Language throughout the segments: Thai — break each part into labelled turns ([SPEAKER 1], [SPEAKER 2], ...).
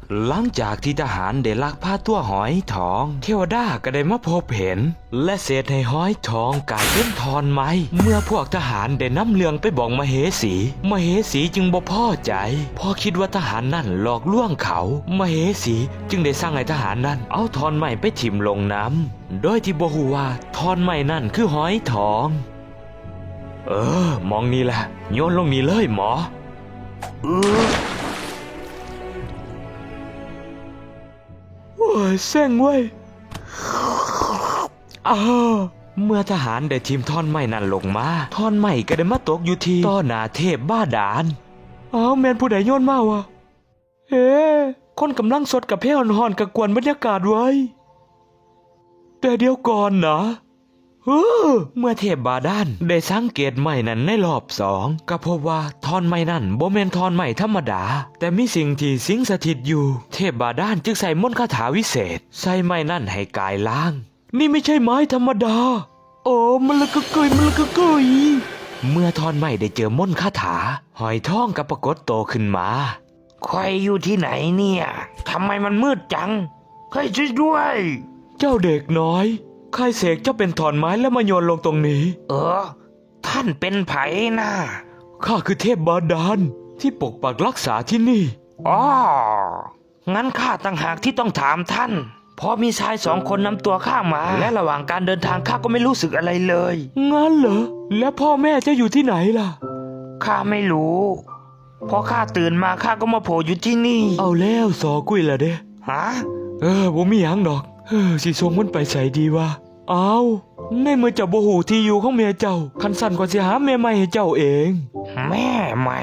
[SPEAKER 1] หลังจากที่ทหารได้ลักพาตัวหอยทองเทวดาก็ได้มาพบเห็นและเศษให้หอยทองกลายเป็นทอนไม้เมื่อพวกทหารได้นำเรื่องไปบอกมเหสีจึงบ่พอใจพอคิดว่าทหารนั่นหลอกลวงเขามเหสีจึงได้สั่งให้ทหารนั่นเอาทอนไม้ไปถิ่มลงน้ำโดยที่บ่ฮู้ว่าทอนไม้นั่นคือหอยทองมองนี่แหละโยนลงนี่เลยหมอโอ้ยเส้งเว้ยเมื่อทหารได้ทิ่มท่อนไม้นั่นลงมาท่อนไม้ก็ได้มาตกอยู่ที่ต่อหน้าเทพบ้าดาลแม่นผู้ใดโยนมาวะคนกำลังสดกับเพลห่อนๆกับกวนบรรยากาศไว้แต่เดี๋ยวก่อนนะเมื่อเทพบาดาลได้สังเกตไม้นั้นในรอบสองก็พบว่าท่อนไม้นั้นบ่แม่นท่อนไม้ธรรมดาแต่มีสิ่งที่สิงสถิตอยู่เทพบาดาลจึงใส่มนต์คาถาวิเศษใส่ไม้นั้นให้กายล้างนี่ไม่ใช่ไม้ธรรมดามันละกะเกยเมื่อท่อนไม้ได้เจอมนต์คาถาหอยทองก็ปรากฏโตขึ้นมา
[SPEAKER 2] ใครอยู่ที่ไหนเนี่ยทำไมมันมืดจังใครช่วยด้วย
[SPEAKER 1] เจ้าเด็กน้อยใครเสกเจ้าเป็นท่อนไม้แล้วมาโยนลงตรงนี้
[SPEAKER 2] ท่านเป็นไผนะ
[SPEAKER 1] ข้าคือเทพบาดาลที่ปกปักรักษาที่นี่
[SPEAKER 2] งั้นข้าต่างหากที่ต้องถามท่านเพราะมีชาย2 คนนำตัวข้ามาและระหว่างการเดินทางข้าก็ไม่รู้สึกอะไรเลย
[SPEAKER 1] งั้นเหรอแล้วพ่อแม่เจ้าอยู่ที่ไหนล่ะ
[SPEAKER 2] ข้าไม่รู้พอข้าตื่นมาข้าก็มาโผล่อยู่ที่นี่
[SPEAKER 1] เอาแล้วสอกุ้ยละเด้บ่มีหยังดอกสิส่งมันไปใส่ดีวะในเมื่อเจ้าบ่ฮู้ที่อยู่ของแม่เจ้าคันสั่นก็สิหาแม่ใหม่ให้เจ้าเอง
[SPEAKER 2] แม่ใหม่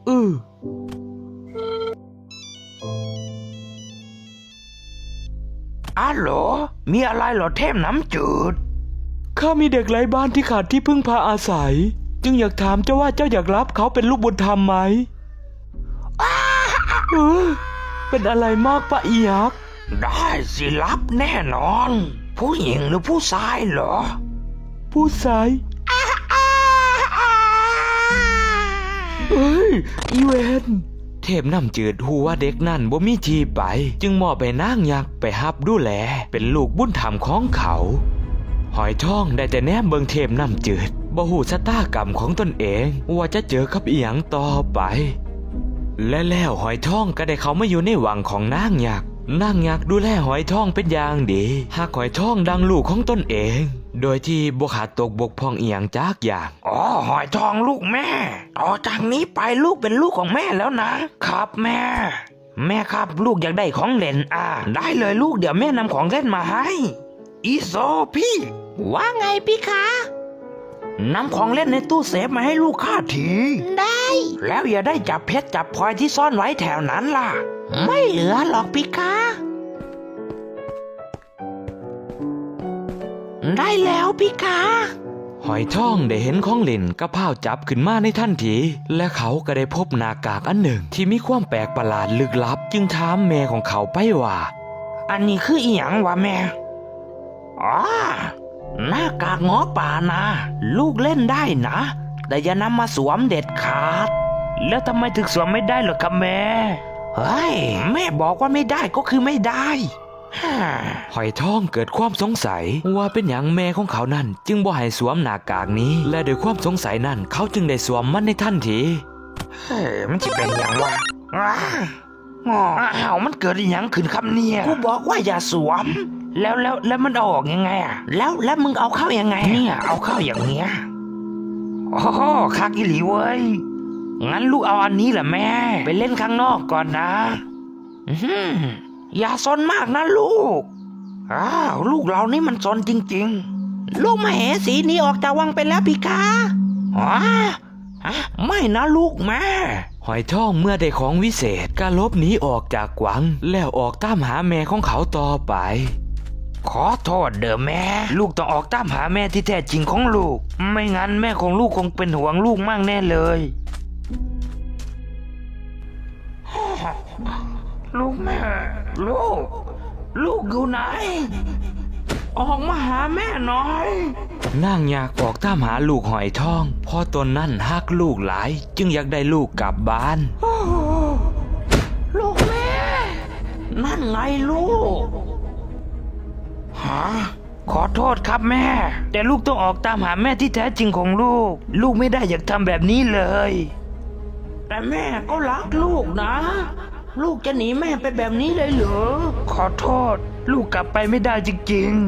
[SPEAKER 2] ฮัลโหลมีอะไรเหรอเทพน้ำจืด
[SPEAKER 1] ข้ามีเด็กไร้บ้านที่ขาดที่พึ่งพาอาศัยจึงอยากถามเจ้าว่าเจ้าอยากรับเขาเป็นลูกบุญธรรมไหมเป็นอะไรมากปะอียักษ์
[SPEAKER 2] ได้สิรับแน่นอนผู้หญิงหรือผู้ชายเหรอ
[SPEAKER 1] ผู้ชายอีเวนเทพน้ำจืดฮู้ว่าเด็กนั่นบ่มีที่ไปจึงมอบให้นางยักษ์ไปรับดูแลเป็นลูกบุญธรรมของเขาหอยทองได้แต่แนมเบิงเทพน้ำจืดบ่ฮู้ชะตากรรมของตนเองว่าจะเจอกับอีหยังต่อไปและแล้วหอยทองก็ได้เข้ามาอยู่ในวังของนางยักษ์ดูแลหอยทองเป็นอย่างดีหากหอยทองดังลูกของตนเองโดยที่บ่ขาดตกบกพร่องอีหยังจักอย่าง
[SPEAKER 2] หอยทองลูกแม่ต่อจากนี้ไปลูกเป็นลูกของแม่แล้วนะครับแม่ครับลูกอยากได้ของเล่นได้เลยลูกเดี๋ยวแม่นำของเล่นมาให้อีโซพี่
[SPEAKER 3] ว่าไงพี่คะ
[SPEAKER 2] นำของเล่นในตู้เซฟมาให้ลูกข้าที
[SPEAKER 3] ได้
[SPEAKER 2] แล้วอย่าได้จับเพชรจับพลอยที่ซ่อนไว้แถวนั้นล่ะ
[SPEAKER 3] ไม่เหลือหรอกพี่คะได้แล้วพี่คะ
[SPEAKER 1] หอยทองได้เห็นของเล่นก็พาวจับขึ้นมาในทันทีและเขาก็ได้พบหน้ากากอันหนึ่งที่มีความแปลกประหลาดลึกลับจึงถามแม่ของเขาไปว่า
[SPEAKER 2] อันนี้คืออีหยังวะแม่หน้ากากง้อป่านะลูกเล่นได้นะแต่อย่านำมาสวมเด็ดขาดแล้วทำไมถึงสวมไม่ได้เหรอครับแม่แม่บอกว่าไม่ได้ก็คือไม่ได้
[SPEAKER 1] หอยทองเกิดความสงสัยว่าเป็นอย่างแม่ของเขานั่นจึงบ่ให้สวมหน้ากากนี้และด้วยความสงสัยนั่นเขาจึงได้สวมมันในทันที
[SPEAKER 2] มันจะเป็นอย่างวะมันเกิดอย่างขึ้นครับเนี่ยกูบอกว่าอย่าสวมแล้วมันออกยังไงแล้วมึงเอาเข้ายังไงเนี่ยเอาเข้าอย่างเงี้ยคักอีหลีเว้ยงั้นลูกเอาอันนี้แหละแม่ไปเล่นข้างนอกก่อนนะอย่าซนมากนะลูกลูกเรานี่มันซนจริง
[SPEAKER 3] ๆลูกมเหสีหนีออกจากวังไปแล้วพี่คะ
[SPEAKER 2] ไม่นะลูกแม่
[SPEAKER 1] หอยทองเมื่อได้ของวิเศษก็ลบหนีออกจากวังแล้วออกตามหาแม่ของเขาต่อไป
[SPEAKER 2] ขอโทษเด้อแม่ลูกต้องออกตามหาแม่ที่แท้จริงของลูกไม่งั้นแม่ของลูกคงเป็นห่วงลูกมากแน่เลยลูกแม่ลูกอยู่ไหนออกมาหาแม่หน่อย
[SPEAKER 1] นางอยากออกตามหาลูกหอยทองเพราะตนนั้นฮักลูกหลายจึงอยากได้ลูกกลับบ้าน
[SPEAKER 3] ลูกแม่นั่นไงลูก
[SPEAKER 2] ฮะขอโทษครับแม่ แต่ลูกต้องออกตามหาแม่ที่แท้จริงของลูก ลูกไม่ได้อยากทำแบบนี้เลย
[SPEAKER 3] แต่แม่ก็รักลูกนะ ลูกจะหนีแม่ไปแบบนี้เลยเหรอ
[SPEAKER 2] ขอโทษ ลูกกลับไปไม่ได้จริง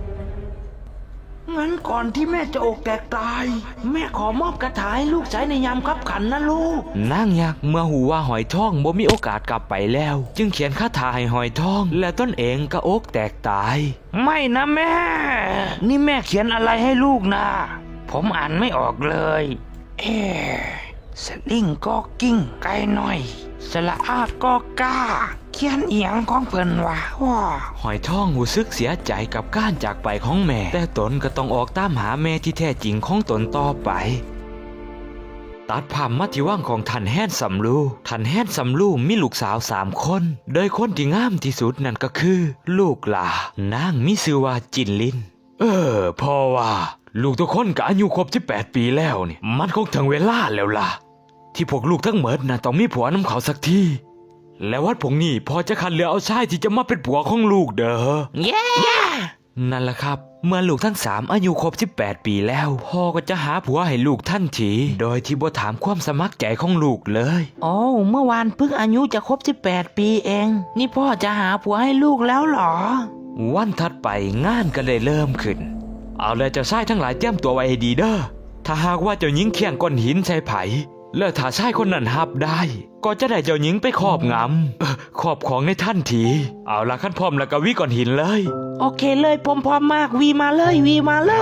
[SPEAKER 3] งั้นก่อนที่แม่จะอกแตกตาย แม่ขอมอบกระถาให้ลูกใช้ในยามคับขันนะลูก
[SPEAKER 1] นางยักษ์เมื่อหูว่าหอยทองบ่มีโอกาสกลับไปแล้ว จึงเขียนคาถาให้หอยทอง และตนเองก็อกแตกตาย
[SPEAKER 2] ๆ ไม่นะแม่ นี่แม่เขียนอะไรให้ลูกนะ ผมอ่านไม่ออกเลย เอ๊ะสลิงก็กิ้งไกลหน่อย สละอาก็กล้า เขียนเอียงของเพิ่นว่าว้า
[SPEAKER 1] หอยทองหูซึกเสียใจกับการจากไปของแม่ แต่ตนก็ต้องออกตามหาแม่ที่แท้จริงของตนต่อไป ตัดภาพมาที่ว่างของท่านแฮนซัมลูท่านแฮนซัมลูมีลูกสาว3 คน โดยคนที่งามที่สุดนั่นก็คือ ลูกหลานางมีชื่อว่าจินลิน พ่อว่า ลูกทุกคนก็อายุครบ18 ปีแล้วนี่มันคงถึงเวลาแล้วล่ะ ที่พวกลูกทั้งหมดน่ะต้องมีผัวน้ำเขาสักทีและวัดพวกนี้พอจะคัดเลือกเอาชายที่จะมาเป็นผัวของลูกเด้อ
[SPEAKER 3] เย้
[SPEAKER 1] นั่นแหละครับ เมื่อลูกทั้ง3อายุครบ18 ปีแล้วพ่อก็จะหาผัวให้ลูกทันทีโดยที่บ่ถามความสมัครใจของลูกเลย
[SPEAKER 3] โอ้เมื่อวานเพิ่งอายุจะครบ18 ปีเอง นี่พ่อจะหาผัวให้ลูกแล้วเหรอ
[SPEAKER 1] วันถัดไปงานก็เลยเริ่มขึ้น เอาเลยเจ้าชายทั้งหลายเตรียมตัวไว้ให้ดีเด้อถ้าหากว่าเจ้าหญิงเคียงก้อนหินใส่ไผ่แล้วถ้าชายคนนั้นหับได้ ก็จะได้เจ้าหญิงไปครอบงำครอบของในทันที เอาละขั้นพร้อมแล้วก็วิก้อนหินเลย
[SPEAKER 3] โอเคเลยผมพร้อมมากวีมาเลยวีมาเลย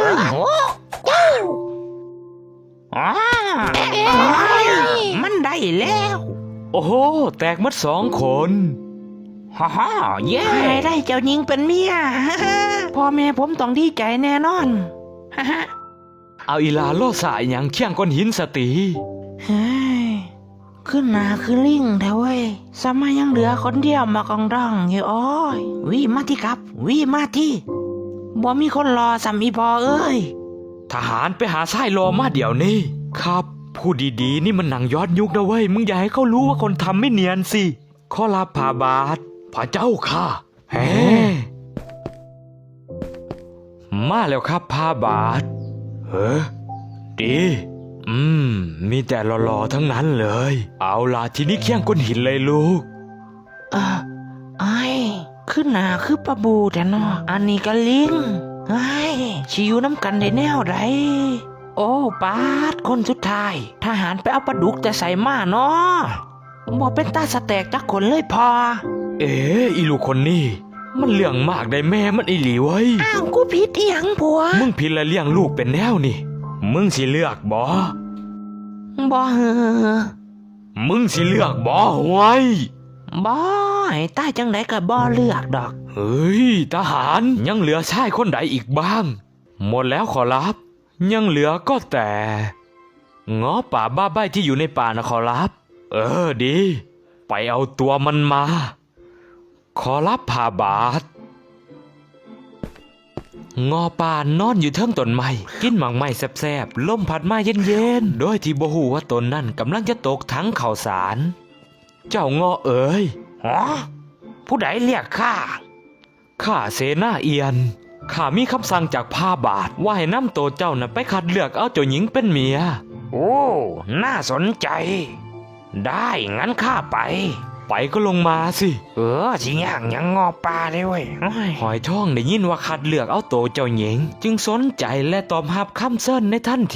[SPEAKER 2] อ๋อ
[SPEAKER 3] มันได้แล้ว
[SPEAKER 1] โอ้โหแตกหมัด2 คน
[SPEAKER 2] ฮ่าฮ่าเย้
[SPEAKER 3] ได้เจ้าหญิงเป็นเมีย พ่อแม่ผมต้องดีใจแน่นอน
[SPEAKER 1] เอาอีลาโลสายอย่างเคียงก้อนหินสติ
[SPEAKER 3] เฮ้ยขึ้นหนาคือลิงแท้เว้ยสมัยยังเหลือคนเดียวมากองร้องอยู่อ้อยวีมาที่ครับวีมาที่บ่มีคนรอสามีพอเอ้ย
[SPEAKER 1] ทหารไปหาชายรอมาเดี๋ยวนี้ครับพูดดีๆนี่มันหนังย้อนยุคนะเว้ยมึงอย่าให้เขารู้ว่าคนทำไม่เนียนสิข้อลาพาบาทพระเจ้าค่ะแฮมาแล้วครับพาบาทดีมีแต่หล่อๆทั้งนั้นเลย เอาล่ะทีนี้เคี่ยงก้นหินเลยลูก
[SPEAKER 3] ไอ้ขึ้นหนาคือปลาบูแต่เนาะอันนี้ก็ลิงไอ้ชิอยู่น้ำกันได้แนวไรโอ้ปาดคนสุดท้ายทหารไปเอาปลาดุกแต่ใส่มาเนาะบ่เป็นตาสแตกจักคนเลยพอ
[SPEAKER 1] อีลูกคนนี้มันเรื่องมากได้แม่มันอีหลีเว้ย
[SPEAKER 3] อ้าวกูผิดอีหยังผัว
[SPEAKER 1] มึงผิดและเลี้ยงลูกเป็นแนวนี่มึงสิเลือกบ่
[SPEAKER 3] บ่เฮอ
[SPEAKER 1] มึงสิเลือกบ่ไว้
[SPEAKER 3] บ่ให้ตายจังไดก็บ่เลือกดอก
[SPEAKER 1] เฮ้ยทหารยังเหลือชายคนใดอีกบ้าง หมดแล้วขอรับ ยังเหลือก็แต่ง้อป่าบ้าใบที่อยู่ในป่านะขอรับ ดี ไปเอาตัวมันมา ขอรับพาบาทงอป่านอนอยู่เทิงต้นไม้กินหมากไม้แซ่บๆลมพัดมาเย็นๆโดยที่บ่ฮู้ว่าตนนั่นกำลังจะตกถังข้าวสารเจ้างอเอ๋ย
[SPEAKER 2] ฮะผู้ใดเรียกข้า
[SPEAKER 1] ข้าเสนาเอียนข้ามีคำสั่งจากพาบาทว่าให้นำตัวเจ้าน่ะไปคัดเลือกเอาเจ้าหญิงเป็นเมีย
[SPEAKER 2] โอ้ น่าสนใจ ได้งั้นข้าไป
[SPEAKER 1] ไปก็ลงมาสิ
[SPEAKER 2] สิย่างยังงอปลาได้เว้ยโอ้ย
[SPEAKER 1] หอยทองได้ยินว่าคัดเลือกเอาตัวเจ้าหญิงจึงสนใจและตอบรับคำเซิ้นในทันที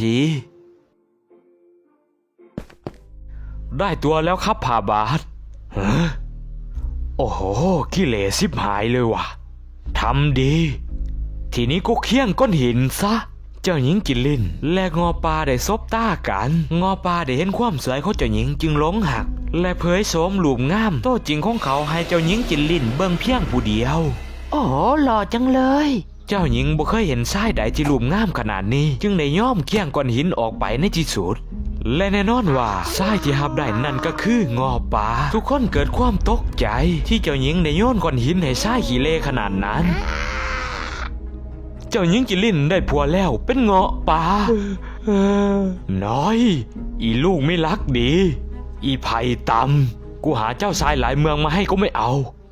[SPEAKER 1] ได้ตัวแล้วครับพาบาทโอ้โหขี้เหร่สิบหายเลยว่ะทำดี ทีนี้ก็เคี่ยงก้อนหินซะ เจ้าหญิงกินลินและงอปลาได้ซบตากันงอปลาได้เห็นความสวยของเจ้าหญิงจึงหลงหักและเผยโสมรูปงามโตจริงของเขาให้เจ้าหญิงกินลินเบิ่งเพียงผู้เดียว
[SPEAKER 3] โอ้หล่อจังเลย
[SPEAKER 1] เจ้าหญิงบ่เคยเห็นชายใดที่รูปงามขนาดนี้จึงได้ย่อมเคี่ยงก้อนหินออกไปในที่สุดและแน่นอนว่าชายที่หับได้นั่นก็คืองอปลาทุกคนเกิดความตกใจที่เจ้าหญิงได้โยนก้อนหินให้ชายขี้เลขนาดนั้นเจ้าหญิงกินลินได้ผัวแล้วเป็นเงาะป่าน้อยอีลูกไม่รักดีอีไผ่ตำกูหาเจ้าชายหลายเมืองมาให้ก็ไม่เอา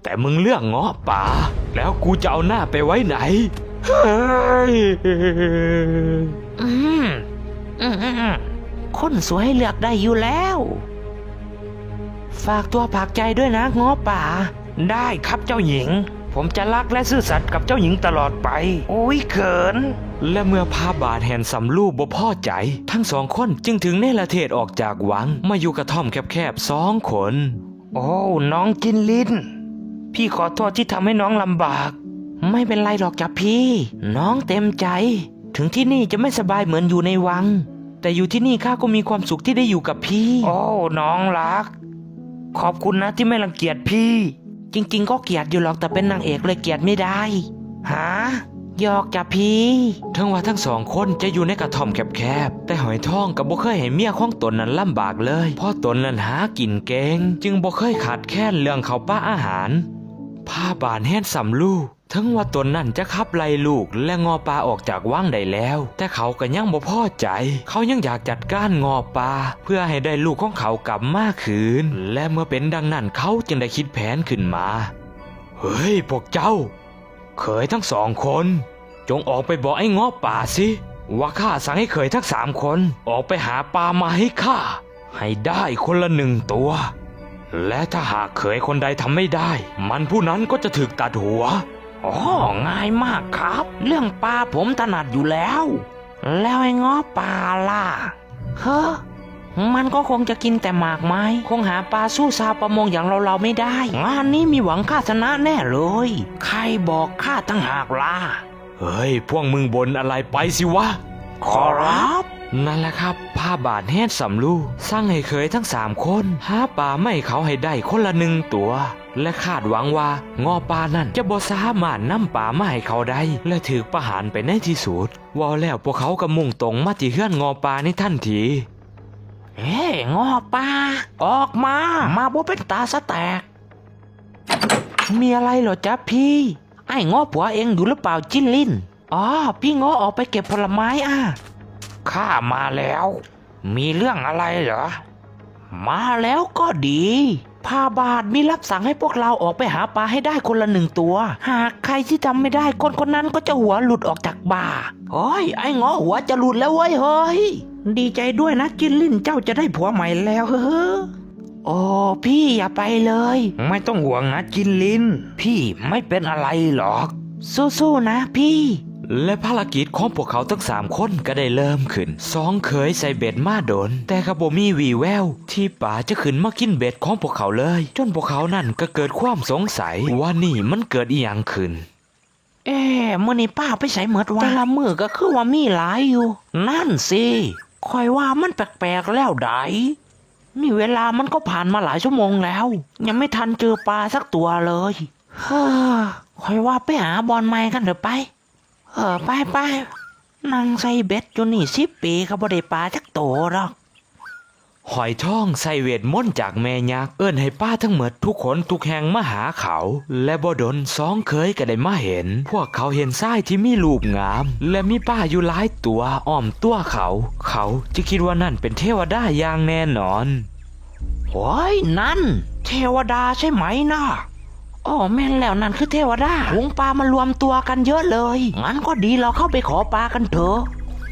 [SPEAKER 1] แต่มึงเลือกเงาะป่าแล้วกูจะเอาหน้าไปไว้ไหนเฮ้ย
[SPEAKER 3] อืมอืมคนสวยเลือกได้อยู่แล้ว ฝากตัวฝากใจด้วยนะง้อป่า
[SPEAKER 2] ได้ครับเจ้าหญิง ผมจะรักและซื่อสัตย์กับเจ้าหญิงตลอดไป โอ้ยเขิน
[SPEAKER 1] และเมื่อพาบาทแห่นสำลูบ่พอใจ ทั้งสองคนจึงถึงเนรเทศออกจากวังมาอยู่กระท่อมแคบๆ2 คน
[SPEAKER 2] โอ้น้องจินลินพี่ขอโทษที่ทำให้น้องลำบาก
[SPEAKER 3] ไม่เป็นไรหรอกจ้ะพี่ น้องเต็มใจ ถึงที่นี่จะไม่สบายเหมือนอยู่ในวัง แต่อยู่ที่นี่ข้าก็มีความสุขที่ได้อยู่กับพี่
[SPEAKER 2] โอ้น้องรัก ขอบคุณนะที่ไม่รังเกียจพี่
[SPEAKER 3] จริงๆก็เกลียดอยู่หรอกแต่เป็นนางเอกเลยเกลียดไม่ได้
[SPEAKER 2] หา
[SPEAKER 3] หยอกจ้ะพี่
[SPEAKER 1] ทั้งว่าทั้ง2 คนจะอยู่ในกระท่อมแคบๆแต่หอยทองก็บ่เคยให้เมียของตนนั้นลำบากเลยเพราะตนนั้นหากินเก่งจึงบ่เคยขาดแคลนเรื่องข้าวปลาอาหารพาบานแห่นสำลูทั้งว่าตนนั้นจะขับไล่ลูกและงอปลาออกจากวังได้แล้ว แต่เขาก็ยังบ่พอใจ เขายังอยากจัดการงอปลาเพื่อให้ได้ลูกของเขากลับมาคืนและเมื่อเป็นดังนั้นเขาจึงได้คิดแผนขึ้นมาเฮ้ยพวกเจ้าเขยทั้ง2 คนจงออกไปบอกไอ้งอป่าสิว่าข้าสั่งให้เขยทั้ง3 คนออกไปหาปลามาให้ข้าให้ได้คนละ1 ตัวและถ้าหากเขยคนใดทำไม่ได้ มันผู้นั้นก็จะถูกตัดหัว
[SPEAKER 3] อ๋อง่ายมากครับ เรื่องปลาผมถนัดอยู่แล้ว แล้วไอ้ง้อปลาล่ะเฮ้อมันก็คงจะกินแต่หมากไม้คงหาปลาสู้ชาวประมงอย่างเราไม่ได้ งานนี้มีหวังข้าชนะแน่เลย ใครบอกข้าตั้งหากล่ะ
[SPEAKER 1] เฮ้ยพวกมึงบนอะไรไปสิวะ
[SPEAKER 3] ขอรับ
[SPEAKER 1] นั่นแหละครับผ้าบาทแห่นสำลูสร้างให้เขยทั้ง3 คนหาปลาไม่เขาให้ได้คนละ1 ตัว และคาดหวังว่างอปลานั่นจะบ่สามารถนำปลามาให้เขาได้และถือประหารไปในที่สุดว่าแล้วพวกเขาก็มุ่งตรงมาที่เฮือนงอปลาในทันที
[SPEAKER 3] เฮ้งอปลาออกมาบ่เป็นตาสะแตก มีอะไรเหรอจ๊ะพี่ ไอ้งอผัวเองอยู่หรือเปล่าจิ้นลิ้นอ๋อพี่งอออกไปเก็บผลไม้
[SPEAKER 2] ข้ามาแล้ว มีเรื่องอะไรเหรอ
[SPEAKER 3] มาแล้วก็ดีพาบาทมีรับสั่งให้พวกเราออกไปหาปลาให้ได้คนละ1 ตัว หากใครที่ทำไม่ได้คนนั้นก็จะหัวหลุดออกจากบ่าโอ้ยไอ้งอหัวจะหลุดแล้วเว้ยเฮ้ยดีใจด้วยนะจิ้นลิ้นเจ้าจะได้ผัวใหม่แล้วเฮ้อโอ้พี่อย่าไปเลย
[SPEAKER 2] ไม่ต้องห่วงนะจินลิน พี่ไม่เป็นอะไรหรอก
[SPEAKER 3] สู้ๆนะพี่
[SPEAKER 1] และภารกิจของพวกเขาทั้ง3 คนก็ได้เริ่มขึ้น2 เขยใส่เบ็ดมาโดนแต่ก็บ่มีวี่แววที่ป่าจะขึ้นมากินเบ็ดของพวกเขาเลยจนพวกเขานั่นก็เกิดความสงสัยว่านี่มันเกิดอีหยังขึ้น
[SPEAKER 3] มื้อนี้ป้าไปใส่เหมิดวะแต่ละมื้อก็คือว่ามีหลายอยู่ นั่นสิคอยว่ามันแปลกๆแล้วไดนี่เวลามันก็ผ่านมาหลายชั่วโมงแล้ว ยังไม่ทันเจอปลาสักตัวเลยฮ่าคอยว่าไปหาบอลไม้กันเถอะไปไปนั่งใส่เบ็ดอยู่นี่10 ปีก็บ่ได้ปลาจักโตหรอก
[SPEAKER 1] หอยทองใส่เวทมนต์จากแม่ยักษ์เอิ้นให้ป้าทั้งหมดทุกคนทุกแห่งมาหาเขาและบ่ดน2 เขยก็ได้มาเห็นพวกเขาเห็นทรายที่มีรูปงามและมีป้าอยู่หลายตัวอ้อมตัวเขาจะคิดว่านั่นเป็นเทวดาอย่างแน่นอน
[SPEAKER 3] โอ้ยนั่นเทวดาใช่ไหมนะอ๋อแม่นแล้วนั่นคือเทวดาฝูงปลามารวมตัวกันเยอะเลยงั้นก็ดีเราเข้าไปขอปลากันเถอะ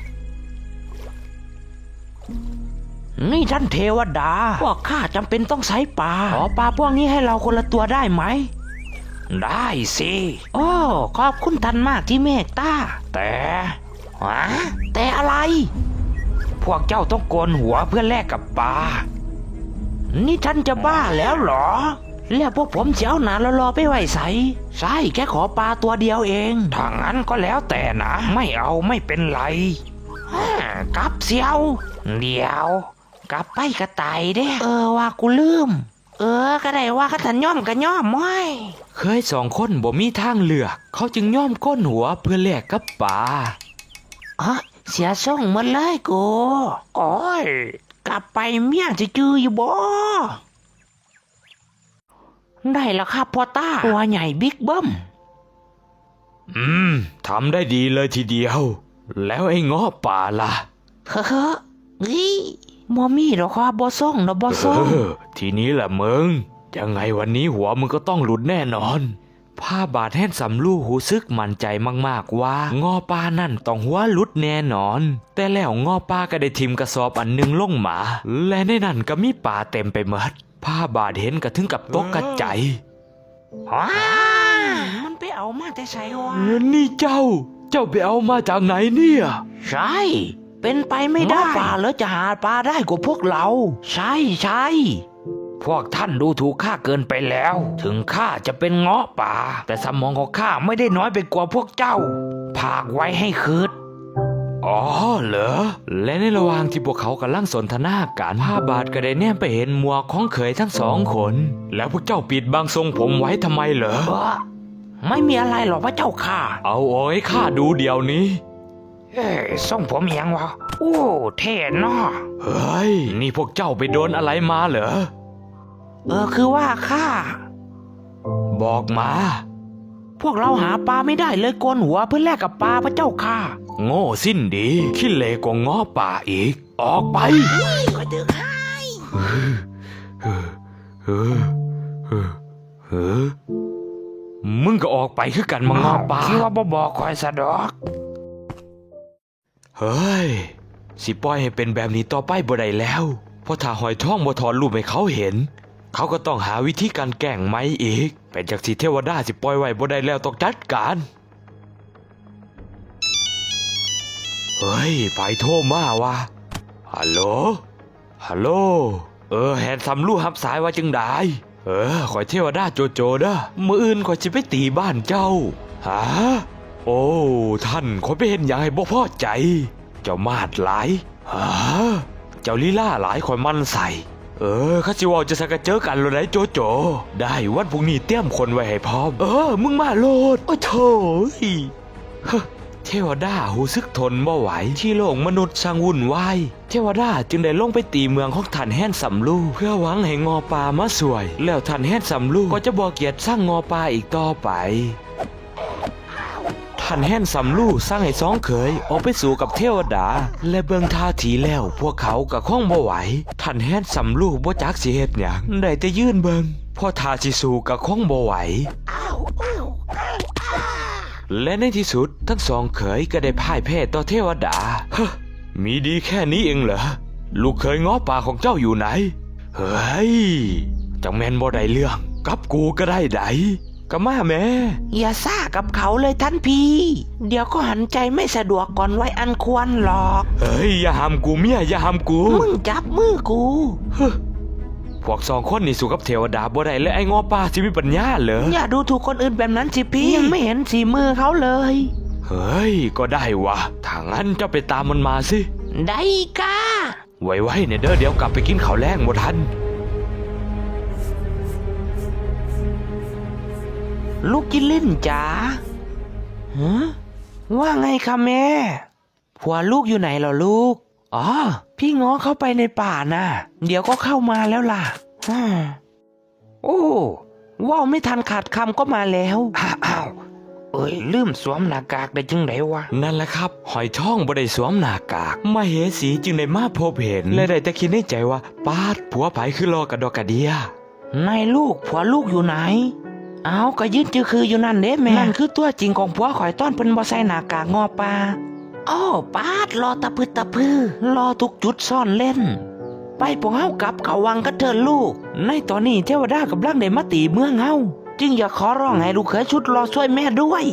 [SPEAKER 3] นี่ท่านเทวดาพวกข้าจำเป็นต้องใช้ปลาขอปลาพวกนี้ให้เราคนละตัวได้ไหม
[SPEAKER 2] ได้สิ
[SPEAKER 3] โอ้ขอบคุณท่านมากที่เมตตาแต่อะไร
[SPEAKER 2] พวกเจ้าต้องโกนหัวเพื่อแลกกับปลา
[SPEAKER 3] นี่ท่านจะบ้าแล้วเหรอแล้วพวกผมเจ้าหนารอไปไหวใช่แค่ขอปลาตัวเดียวเอง
[SPEAKER 2] ถ้างั้นก็แล้วแต่นะไม่เอาไม่เป็นไร
[SPEAKER 3] กลับเสียว
[SPEAKER 2] เดี๋ยว
[SPEAKER 3] กลับไปกระต่ายเด้ว่ากูลืมก็ได้ว่าข้าทันย่อมก็ย่อมม้อย
[SPEAKER 1] เคย2 คนบ่มีทางเลือกเขาจึงย่อมก้นหัวเพื่อแลกกับปลา
[SPEAKER 3] เสียส่งหมดเลยกูโอ้ยกลับไปเมียจะจืออยู่บ่ได้แล้วครับพ่อตาตัวใหญ่บิ๊กเบิ้ม
[SPEAKER 1] ทำได้ดีเลยทีเดียวแล้วไอ้ง้อป่าล่ะ
[SPEAKER 3] บ่มีหรอกครับบ่ส่งนะบ่ส่ง
[SPEAKER 1] ทีนี้แหละมึงยังไงวันนี้หัวมึงก็ต้องหลุดแน่นอนผ้าบาดแห่นสำลู่หูซึกมั่นใจมากๆว่างอปลานั่นต้องหัวหลุดแน่นอน แต่แล้วงอปลาก็ได้ทิมกระสอบอันหนึงลงมาและในนั้นก็มีปลาเต็มไปหมดผ้าบาดเห็นก็ถึงกับตกกระใจ
[SPEAKER 3] ว้ามันไปเอามาแต่ใส่วะ
[SPEAKER 1] นี่เจ้าไปเอามาจากไหนเนี่ย
[SPEAKER 3] ใช่ เป็นไปไม่ได้ปลาแล้วจะหาปลาได้กว่าพวกเรา ใช่ใช่
[SPEAKER 2] พวกท่านดูถูกข้าเกินไปแล้ว ถึงข้าจะเป็นเงาะป่า แต่สมองของข้าไม่ได้น้อยไปกว่าพวกเจ้าพากไว้ให้คืด
[SPEAKER 1] อ๋อเหรอและในระหว่างที่พวกเขากำลังสนทนากันผ้าบาทก็ได้แนมไปเห็นหมวกของเขยทั้งสองคน แล้วพวกเจ้าปิดบังทรงผมไว้ทำไมเหรอ
[SPEAKER 3] ไม่มีอะไรหรอกพระเจ้าค่ะ
[SPEAKER 1] เอาโอ้ยข้าดูเดี๋ยวนี้
[SPEAKER 2] เอ้ยส่งผมยังวะโอ้เท่เนาะ
[SPEAKER 1] เฮ้ยนี่พวกเจ้าไปโดนอะไรมาเหรอ
[SPEAKER 3] คือว่าข้า
[SPEAKER 1] บอกมา
[SPEAKER 3] พวกเราหาปลาไม่ได้เลยโกนหัวเพื่อแลกกับปลาพระเจ้าค่ะ
[SPEAKER 1] โง่สิ้นดีขี้เลกว่าง้อป่าอีก ออกไป
[SPEAKER 3] ก็ดึกให้
[SPEAKER 1] มึงก็ออกไปคือกันมาง้อป่า
[SPEAKER 2] คิดว่าบ่บอกคอยสะดอก
[SPEAKER 1] เฮ้ยสิปล่อยให้เป็นแบบนี้ต่อไปบ่ได้แล้วเพราะถ้าหอยทองบ่ถอนรูปให้เขาเห็น เขาก็ต้องหาวิธีการแกล้งไหมอีกเป็นจากสิเทวดาสิปล่อยไว้บ่ได้แล้วต้องจัดการเฮ้ยไปโทรมาว่ะฮัลโหลฮัลโหลแฮนซัมลู่รับสายว่าจึงได้ขอยเทวดาโจโจเด้อมื้ออื่นขอยสิไปตีบ้านเจ้าฮะโอ้ท่านขอยไปเห็นอย่างให้บ่พอใจเจ้ามาดหลายฮะเจ้าลีลาหลายขอยมันใส่ข้าสิว่าจะสักเจอกันเลยได้โจโจได้วันพรุ่งนี้เตรียมคนไว้ให้พร้อมมึงมาโลดโอ้โถเทวดาหูซึกทนบ่ไหวที่โลกมนุษย์ช่างวุ่นวายเทวดาจึงได้ลงไปตีเมืองของท่านแห่นสำลูเพื่อหวังให้งอปลามาสวย แล้วท่านแห่นสำลูก็จะบ่เกียรติสร้างงอปลาอีกต่อไปท่านแห่นสำลูสร้างให้สองเขยออกไปสู่กับเทวดาและเบิ่งท่าทีแล้วพวกเขาก็คงบ่ไหวท่านแห่นสำลูบ่จักสิเฮ็ดหยังได้แต่ยืนเบิ่งพอท่าสิสู้ก็คงบ่ไหวและในที่สุดทั้งสองเขยก็ได้พ่ายแพ้ต่อเทวดามีดีแค่นี้เองเหรอลูกเขยง้อป่าของเจ้าอยู่ไหนเฮ้ยจังแม่นบ่ได้เรื่องกับกูก็ได้ไดก็มาแม่
[SPEAKER 3] อย่าซ่ากับเขาเลยท่านพี่ เดี๋ยวก็หันใจไม่สะดวกก่อนไว้อันควรหรอก
[SPEAKER 1] เฮ้ยอย่าห้ามกูเมียอย่าห้ามกู
[SPEAKER 3] มึงจับมือกู
[SPEAKER 1] พวกสองคนนี่สู้กับเทวดาบ่ได้และไอ้ง้อป่าสิมีปัญญาเหรอ
[SPEAKER 3] อย่าดูถูกคนอื่นแบบนั้นสิพี่ยังไม่เห็นสีมือเขาเลย
[SPEAKER 1] เฮ้ยก็ได้วะถ้างั้นเจ้าไปตามมันมาสิ
[SPEAKER 3] ได้กะ
[SPEAKER 1] ไว้เนี่ยเด้อเดี๋ยวกลับไปกินข้าวแลงบ่ทัน
[SPEAKER 3] ลูกกินเล่นจ๋าฮะว่าไงคะแม่ผัวลูกอยู่ไหนเหรอลูกอ๋อพี่ง้อเข้าไปในป่าน่ะเดี๋ยวก็เข้ามาแล้วล่ะโอ้ว่าวไม่ทันขาดคำก็มาแล้ว
[SPEAKER 2] อ้าวลืมสวมหน้ากากได้จึงไดวะ
[SPEAKER 1] นั่นแหละครับหอยท่องบ่ได้สวมหน้ากากมาเหสีจึงได้มาพบเห็นและได้แต่คิดในใจว่าปาดผัวไผคือรอกระดอกกระเดีย
[SPEAKER 3] นายลูกผัวลูกอยู่ไหนเอาก็ยืนจือคืออยู่นั่นเด้แม่นั่นคือตัวจริงของผัวข่อยต้อนเพิ่นบ่ใส่หน้ากากงอปลาอ้อปาดรอตะพึดตะพือรอทุกจุดซ่อนเล่นไปพวกเฮากลับเขาวังกันเถิดลูกในตอนนี้เทวดากำลังได้มาตีเมืองเฮาจึงอยากขอร้องให้ลูกเขยชุดรอช่วยแม่ด้วย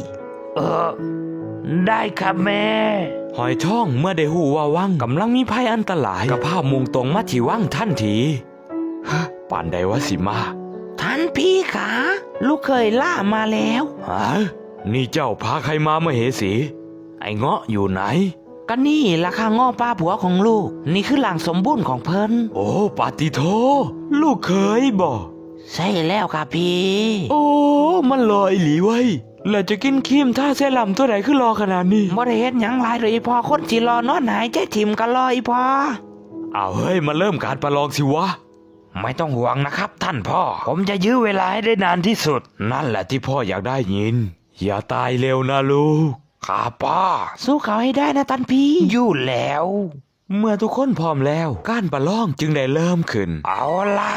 [SPEAKER 2] ได้ครับแม่
[SPEAKER 1] หอยท่องเมื่อได้หูว่าวังกำลังมีภัยอันตรายกับภาพมุ่งตรงมาที่วังทันทีป่านใดวะสิมา
[SPEAKER 3] ท่านพี่ขาลูกเคยล่ามาแล้ว
[SPEAKER 1] นี่เจ้าพาใครมาเหสี ไอ้เงาะอยู่ไหน
[SPEAKER 3] ก็นี่ราคาง้อป้าผัวของลูกนี่คือหลังสมบูรณ์ของเพิ่น
[SPEAKER 1] โอ้ปาติโทลูกเคยบ่
[SPEAKER 3] ใช่แล้วค่ะพี่
[SPEAKER 1] โอ้มันลอยหลีไว้แล้วจะกินครีมท่าเซรั่มตัวไหนขึ้นรอขนาดนี้
[SPEAKER 3] บ่ได้เฮ็ดหยังหลายเลยพอคนสิรอนอนหายใจถิ่มก็รออีพอ
[SPEAKER 1] เอาเฮ้ยมาเริ่มการประลองสิวะ
[SPEAKER 2] ไม่ต้องห่วงนะครับท่านพ่อผมจะยื้อเวลาให้ได้นานที่สุด
[SPEAKER 1] นั่นแหละที่พ่ออยากได้ยินอย่าตายเร็วนะลูก
[SPEAKER 2] ครับพ่อ
[SPEAKER 3] สู้เขาให้ได้นะท่านพี่
[SPEAKER 2] อยู่แล้ว
[SPEAKER 1] เมื่อทุกคนพร้อมแล้วการประลองจึงได้เริ่มขึ้น
[SPEAKER 2] เอาล่ะ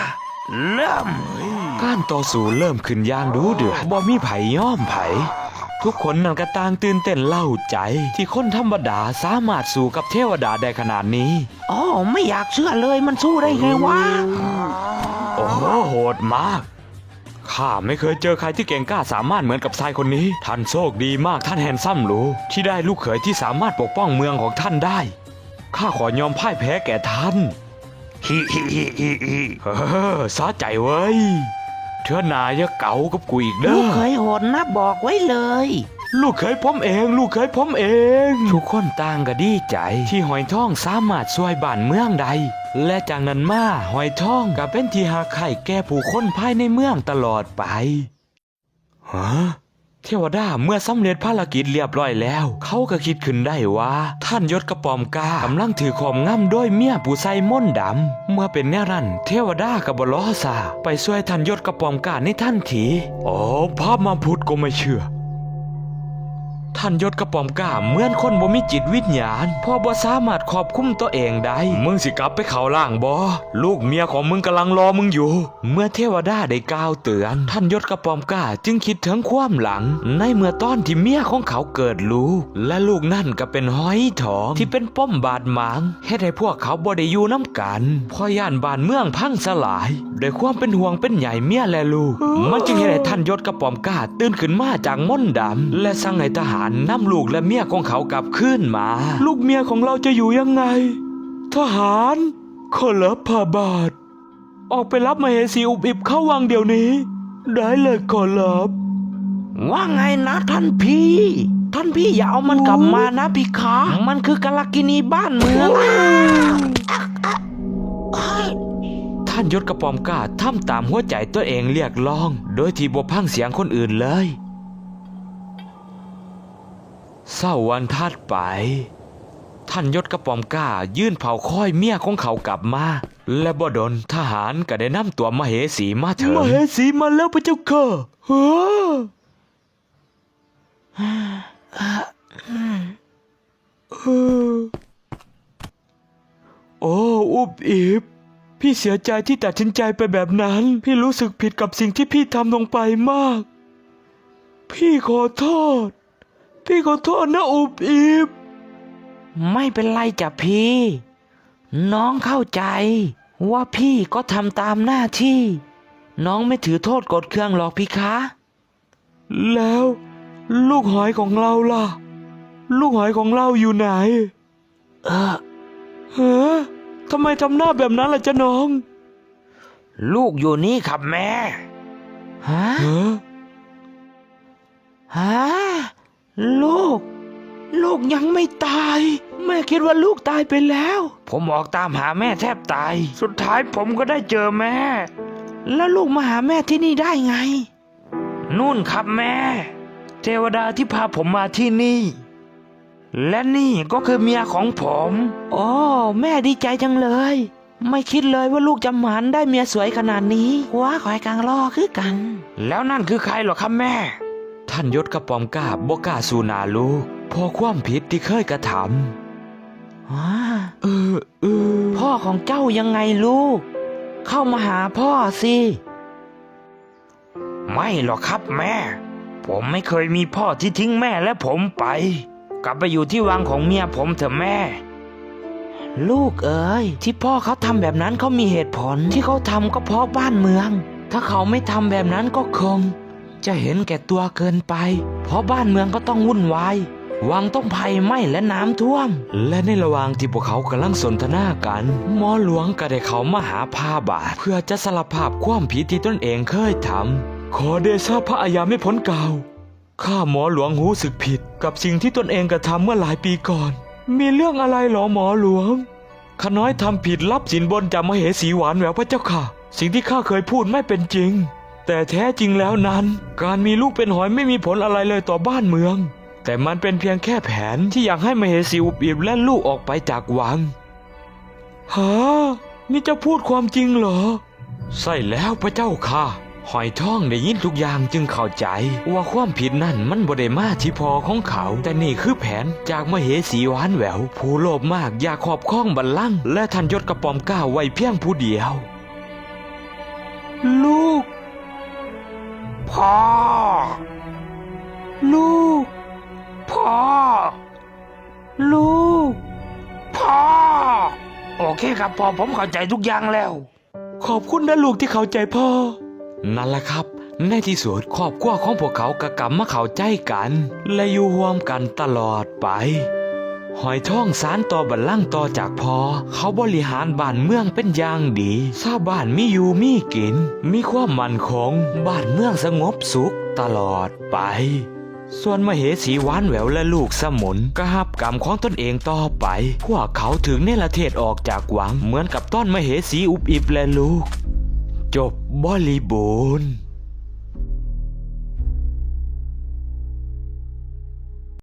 [SPEAKER 2] เริ่ม
[SPEAKER 1] การต่อสู้เริ่มขึ้นอย่างดูเดือดบ่มีไผย่อมไผทุกคนนั่นก็ต่างตื่นเต้นเล่าใจ ที่คนธรรมดาสามารถสู้กับเทวดาได้ขนาดนี้
[SPEAKER 3] อ๋อไม่อยากเชื่อเลยมันสู้ได้ไงวะ
[SPEAKER 1] โอ้โหโหดมากข้าไม่เคยเจอใครที่เก่งกล้าสามารถเหมือนกับชายคนนี้ท่านโชคดีมากท่านแฮนซัมหรูที่ได้ลูกเขยที่สามารถปกป้องเมืองของท่านได้ข้าขอยอมพ่ายแพ้แก่ท่าน
[SPEAKER 2] ฮิฮิฮิฮิฮิ
[SPEAKER 1] สะใจเว้ยเธอนายอย่าเก๋ากับกูอีกเด้
[SPEAKER 3] ลู
[SPEAKER 1] อก
[SPEAKER 3] เคยโหดนะบอกไว้เลย
[SPEAKER 1] ลูกเคยผมเองลูกเคยผมเองทุกคนต่างก็ดีใจที่หอยทองสามารถช่วยบ้านเมืองใดและจากนั้นมาหอยทองก็เป็นที่หาไข่แก่ผู้คนภายในเมืองตลอดไปฮะเทวดาเมื่อสำเร็จภารกิจเรียบร้อยแล้วเขาก็คิดขึ้นได้ว่าท่านยศกระปอมกากำลังถือของง่ำโดยเมียผู้ใส่ม่นต์ดำเมื่อเป็นแนวนั้นเทวดาก็บ่ล้อซาไปช่วยท่านยศกระปอมกาในทันทีโอ้พระมาพุทธก็ไม่เชื่อท่านยศกระป๋อมกล้าเหมือนคนบ่มีจิตวิญญาณพ่อบ่สามารถควบคุมตัวเองได้มึงสิกลับไปเข้าล่างบ่ลูกเมียของมึงกำลังรอมึงอยู่เมื่อเทวดาได้กล่าวเตือนท่านยศกระป๋อมกล้าจึงคิดถึงความหลังในเมื่อตอนที่เมียของเขาเกิดลูกและลูกนั่นก็เป็นหอยทองที่เป็นป้อมบาดหมางเฮ็ดให้พวกเขาบ่ได้อยู่น้ำกันพอย่านบ้านเมืองพังสลายด้วยความเป็นห่วงเป็นใยเมียและลูกมันจึงเฮ็ดให้ท่านยศกระป๋อมกล้าตื่นขึ้นมาจากม่นต์ดำและสั่งให้ทหารนำลูกและเมียของเขากลับคืนมา ลูกเมียของเราจะอยู่ยังไง ทหารขอรับพาบาทออกไปรับมเหสีอุบอิบเข้าวังเดี๋ยวนี้ ได้เลยขอรับ
[SPEAKER 3] ว่าไงนะท่านพี่อย่าเอามันกลับมานะพี่คะมันคือกาลกินีบ้านเมือง
[SPEAKER 1] ท่านยศกระปอมกล้าทำตามหัวใจตัวเองเรียกร้อง โดยที่บ่พังเสียงคนอื่นเลยเศร้าวันถัดไปท่านยศกระป๋อมกล้ายื่นเผาค้อยเมียของเขากลับมาและบ่ดลทหารก็ได้นำตัวมเหสีมาถึงมเหสีมาแล้วพระเจ้าค่ะโอ้อุบอิบพี่เสียใจที่ตัดสินใจไปแบบนั้นพี่รู้สึกผิดกับสิ่งที่พี่ทำลงไปมากพี่ขอโทษนะอุบอิบ
[SPEAKER 3] ไม่เป็นไรจ้ะพี่ น้องเข้าใจว่าพี่ก็ทำตามหน้าที่ น้องไม่ถือโทษกดเครื่องหรอกพี่คะ
[SPEAKER 1] แล้วลูกหอยของเราล่ะ ลูกหอยของเราอยู่ไหนฮะทำไมทำหน้าแบบนั้นล่ะจ๊ะน้อง
[SPEAKER 2] ลูกอยู่นี่ครับแม่
[SPEAKER 3] ฮะฮะลูกยังไม่ตายแม่คิดว่าลูกตายไปแล้ว
[SPEAKER 2] ผมออกตามหาแม่แทบตายสุดท้ายผมก็ได้เจอแม่
[SPEAKER 3] แล้วลูกมาหาแม่ที่นี่ได้ไง
[SPEAKER 2] นู่นครับแม่ เทวดาที่พาผมมาที่นี่ และนี่ก็คือเมียของผม
[SPEAKER 3] โอ้แม่ดีใจจังเลย ไม่คิดเลยว่าลูกจะหมันได้เมียสวยขนาดนี้ว้าขอยกลางล่อคือกัน
[SPEAKER 2] แล้วนั่นคือใครเหรอครับแม่
[SPEAKER 1] ท่านยศกระปอมกล้าบ่กล้าสู่หน้าลูกเพอความผิดที่เคยกระทำ
[SPEAKER 3] พ่อของเจ้ายังไงลูก เข้ามาหาพ่อสิ
[SPEAKER 2] ไม่หรอกครับแม่ ผมไม่เคยมีพ่อที่ทิ้งแม่และผมไป กลับไปอยู่ที่วังของเมียผมเถอะแม่
[SPEAKER 3] ลูกเอ๋ยที่พ่อเขาทำแบบนั้นเขามีเหตุผลที่เขาทำก็เพราะบ้านเมือง ถ้าเขาไม่ทำแบบนั้นก็คงจะเห็นแก่ตัวเกินไปเพราะบ้านเมืองก็ต้องวุ่นวายวังต้องภัยไหม้และน้ำท่วม
[SPEAKER 1] และในระหว่างที่พวกเขากำลังสนทนากันหมอหลวงก็ได้เขามาหาพาบาทเพื่อจะสารภาพความผิดที่ตนเองเคยทำขอเดชะพระอาญาไม่พ้นกล่าวข้าหมอหลวงรู้สึกผิดกับสิ่งที่ตนเองกระทำเมื่อหลายปีก่อนมีเรื่องอะไรหรอหมอหลวงข้าน้อยทำผิดรับสินบนจากมเหสีหวานแหววพระเจ้าค่ะสิ่งที่ข้าเคยพูดไม่เป็นจริงแต่แท้จริงแล้วนั้นการมีลูกเป็นหอยไม่มีผลอะไรเลยต่อบ้านเมืองแต่มันเป็นเพียงแค่แผนที่อยากให้มเหสีอุบอิบและลูกออกไปจากวังฮะนี่จะพูดความจริงเหรอใช่แล้วพระเจ้าค่ะหอยทองได้ยินทุกอย่างจึงเข้าใจว่าความผิดนั่นมันบ่ได้มาที่พ่อของเขาแต่นี่คือแผนจากมเหสีหวานแหววผู้โลภมากอยากครอบครองบัลลังก์และท่านยศกระปอมกล้าไว้เพียงผู้เดียวลูก
[SPEAKER 2] พ่อ
[SPEAKER 1] ลูก
[SPEAKER 2] พ่อ
[SPEAKER 1] ลูก
[SPEAKER 2] พ่อ โอเคครับพ่อผมเข้าใจทุกอย่างแล้ว
[SPEAKER 1] ขอบคุณนะลูกที่เข้าใจพ่อ นั่นแหละครับ ในที่สุดครอบครัวของพวกเขาก็กลับมาเข้าใจกัน และอยู่ร่วมกันตลอดไป หอยทองสารต่อบัลลังก์ต่อจากพ่อเขาบริหารบ้านเมืองเป็นอย่างดีชาวบ้านมีอยู่มีกิน มีความมั่นคงบ้านเมืองสงบสุขตลอดไป ส่วนมเหสีหวานแหววและลูกสมุนก็รับกรรมของตนเองต่อไป พวกเขาถึงเนรเทศออกจากวังเหมือนกับต้นมเหสีอุบอิบและลูก จบบริบูรณ์